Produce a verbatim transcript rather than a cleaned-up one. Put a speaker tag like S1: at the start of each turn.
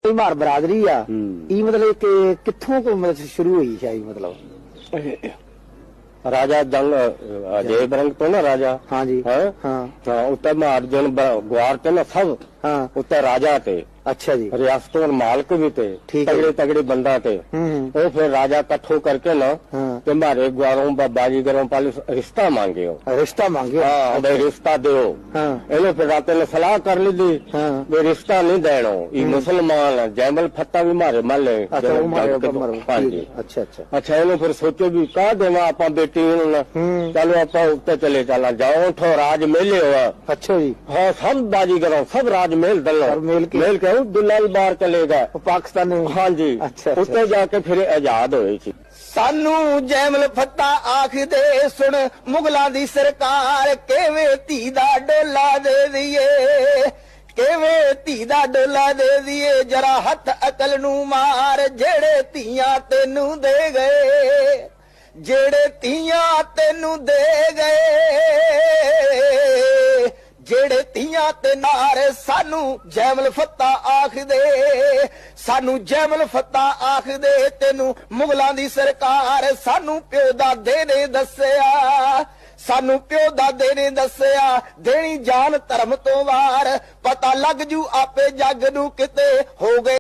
S1: ਮਾਰ ਬਰਾਦਰੀ ਆ ਇਹ ਮਤਲਬ ਕਿ ਕਿੱਥੋਂ ਕੋ ਮਤਲਬ ਸ਼ੁਰੂ ਹੋਈ ਸ਼ਾਇਦ ਮਤਲਬ
S2: ਰਾਜਾ ਜੰਗ ਅਜੇ ਬਰੰਗ ਤੋਂ ਨਾ ਰਾਜਾ
S1: हाँ जी
S2: ਹਾਂ
S1: हाँ
S2: ਹਾਂ ਉੱਤੇ ਮਾਰਜਨ ਗਵਾਰ ਤੇ ਨਾ ਸਭ
S1: हाँ
S2: ਉੱਤੇ ਰਾਜਾ ਤੇ
S1: अच्छा जी
S2: रियासतों मालिक भी थे
S1: ठीक है।
S2: तगड़े तगड़े बंदा थे
S1: हम्म
S2: वो फिर राजा कट्ठो करके ना
S1: हाँ
S2: कि मारे ग्वारों बाजीगरों पाले रिश्ता मांगे हो
S1: रिश्ता मांगे
S2: हाँ भाई रिश्ता दो
S1: हाँ
S2: इन्हों फिर रात ने सलाह कर ली थी
S1: हाँ
S2: वे रिश्ता नहीं देना ये मुसलमान है जैमल फत्ता भी मारे माले
S1: अच्छा वो मारे ऊपर मारो
S2: हाँ
S1: ठीक
S2: जी
S1: है। अच्छा अच्छा
S2: अच्छा इन्हों फिर सोचो भी कह देना आप बेटी
S1: हम्म
S2: चलो आप उत्ते चले चला जाओ ठो राज मेले हुआ
S1: अच्छा जी
S2: हाँ सब बाजीगरों सब राज मेल दलो
S1: और मेल के
S2: मेल के दुलाल बार चले गए
S1: वो पाकिस्तान में
S2: हाँ जी
S1: अच्छा
S2: उत्ते जाके फिर आजाद होए सी
S3: सानू जैमल फत्ता आखदे सुन मुगलां दी सरकार केवे धी दा डोला दे दिए केवे धी दा डोला दे दिए जरा हथ अकल नू मार जेड़े धीयां तेनू दे गए जेड़े धीयां तेनू दे गए जेड़े धीयां ते नारे सानू जैमल फत्ता आखदे सानू जैमल फत्ता आखदे तेनू मुगलां दी सरकार सानू प्यो दादे ने दस्सिया सानू प्यो दादे ने दस्सिया देनी जान धर्म तो वार पता लग जू आपे जग नू किते हो गए।